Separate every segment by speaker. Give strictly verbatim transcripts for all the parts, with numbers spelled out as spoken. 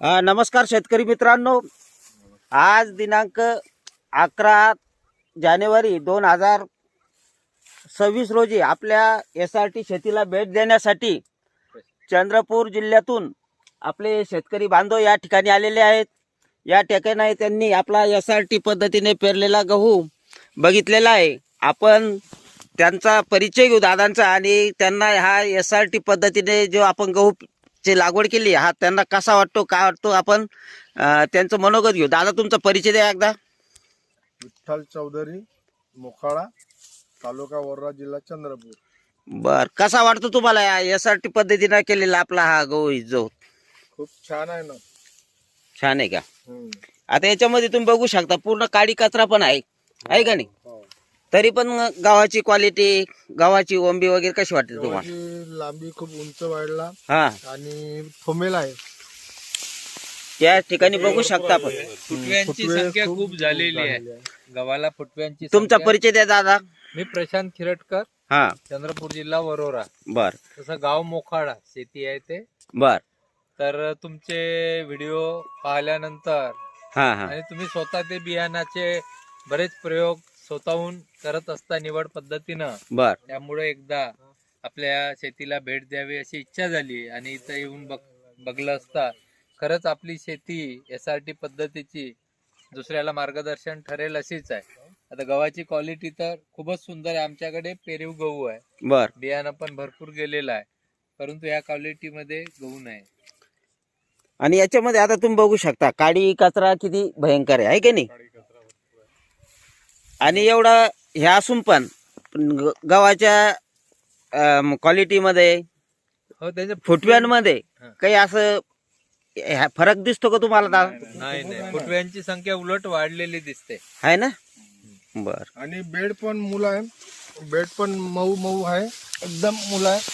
Speaker 1: अ, नमस्कार शेतकरी मित्रांनो, आज दिनांक अकरा जानेवारी दोन हजार सव्वीस रोजी आपल्या एस आर टी शेतीला भेट देण्यासाठी चंद्रपूर जिल्ह्यातून आपले शेतकरी बांधव या ठिकाणी आलेले आहेत. या ठिकाणी त्यांनी आपला एस आर टी पद्धतीने पेरलेला गहू बघितलेला आहे. आपण त्यांचा परिचय घेऊ दादांचा आणि त्यांना हा एस आर टी पद्धतीने जो आपण गहू ची लागवड केली हा त्यांना कसा वाटतो काय वाटतो आपण अ, त्यांचं मनोगत घेऊ. दादा तुमचा परिचय द्या एकदा.
Speaker 2: विठ्ठल चौधरी, मोखाडा, तालुका वर्धा, जिल्हा चंद्रपूर.
Speaker 1: बर, कसा वाटतो तुम्हाला एस आर टी पद्धतीने केलेला आपला हा गहू जो?
Speaker 2: खूप छान आहे ना.
Speaker 1: छान आहे का?
Speaker 2: हम्म.
Speaker 1: आता याच्यामध्ये तुम्ही बघू शकता पूर्ण काडी कचरा पण आहे, आहे का नाही?
Speaker 2: हो.
Speaker 1: तरी पण गव्हाची क्वालिटी, गव्हाची ओंबी वगैरे कशी वाटते तुम्हाला?
Speaker 2: गव्हाची लांबी खूप उंच वाढला
Speaker 1: हा,
Speaker 2: आणि थोमेल आहे.
Speaker 1: या ठिकाणी बघू शकता आपण.
Speaker 3: फुटव्यांची
Speaker 2: फुटवे
Speaker 3: संख्या
Speaker 2: खूप
Speaker 3: खूप झालेली आहे.
Speaker 2: झालेली आहे.
Speaker 3: गव्हाला फुटव्यांची
Speaker 1: तुमचा
Speaker 3: संख्या-
Speaker 1: परिचय द्या दादा.
Speaker 3: मी प्रशांत खिरटकर,
Speaker 1: हा,
Speaker 3: चंद्रपूर जिल्हा वरोरा.
Speaker 1: बर
Speaker 3: तसं गाव मोखाडा शेती आहे ते.
Speaker 1: बर.
Speaker 3: तर तुमचे व्हिडिओ पाहिल्यानंतर
Speaker 1: हा हा
Speaker 3: आणि तुम्ही स्वतः ते बियाणाचे बरेच प्रयोग स्वतःहून करत असता निवड पद्धतीनं,
Speaker 1: बर
Speaker 3: त्यामुळे एकदा आपल्या शेतीला भेट द्यावी अशी इच्छा झाली आणि इथं येऊन बघ बघलं असता खरंच आपली शेती एस आर टी पद्धतीची दुसऱ्याला मार्गदर्शन ठरेल अशीच आहे. आता गव्हाची क्वालिटी तर खूपच सुंदर आहे. आमच्याकडे पेरीव गहू आहे,
Speaker 1: बर.
Speaker 3: बियाणं पण भरपूर गेलेलं आहे, परंतु या क्वालिटीमध्ये गहू नाही.
Speaker 1: आणि याच्यामध्ये आता तुम्ही बघू शकता काडी कचरा किती भयंकर आहे, आहे की नाही? आणि एवढं हे असून पण पण ग- गव्हाच्या क्वालिटीमध्ये,
Speaker 3: हो, त्याच्या
Speaker 1: फुटव्यांमध्ये
Speaker 3: हा.
Speaker 1: काही असं ह्या फरक दिसतो का तुम्हाला दादा?
Speaker 3: नाही नाही फुटव्यांची संख्या उलट वाढलेली दिसते.
Speaker 1: आहे ना? बर.
Speaker 2: आणि बेड पण मुलं आहे. बेड पण मऊ मऊ आहे, एकदम मुलं आहे.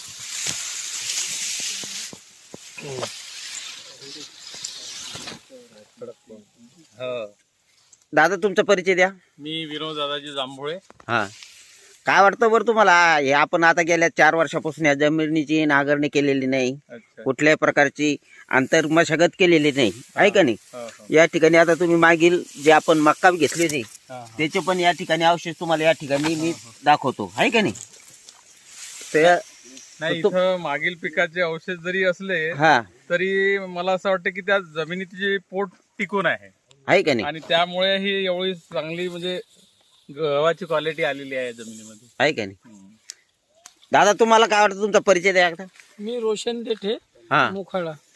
Speaker 3: हो.
Speaker 1: दादा तुमचा परिचय द्या.
Speaker 4: मी विनोद दादाजी जांभोळे.
Speaker 1: हा, काय वाटतं बरं तुम्हाला? हे आपण आता गेल्या चार वर्षापासून या जमिनीची नांगरणी केलेली नाही,
Speaker 4: अच्छा.
Speaker 1: कुठल्याही प्रकारची आंतर मशागत केलेली नाही, आहे का नाही?
Speaker 4: हो, हो.
Speaker 1: या ठिकाणी आता तुम्ही मागील जे आपण मक्का घेतली होती
Speaker 4: हा, हा.
Speaker 1: त्याचे पण या ठिकाणी अवशेष तुम्हाला या ठिकाणी मी दाखवतो, आहे का नाही? ते
Speaker 4: नाही,
Speaker 1: तो-
Speaker 4: इथं मागील पिकाचे अवशेष जरी असले
Speaker 1: हा,
Speaker 4: तरी मला असं वाटतं की त्या जमिनीची जी पोट टिकून आहे
Speaker 1: आहे का नाही?
Speaker 4: आणि त्यामुळे ही एवढी चांगली म्हणजे गव्हाची क्वालिटी आलेली आहे जमिनीमध्ये.
Speaker 1: आहे का नाही?
Speaker 4: हम्म.
Speaker 1: दादा तुम्हाला काय वाटतं? तुमचा परिचय द्या एकदा.
Speaker 5: मी रोशन देठे,
Speaker 1: हा,
Speaker 5: मोखाडा.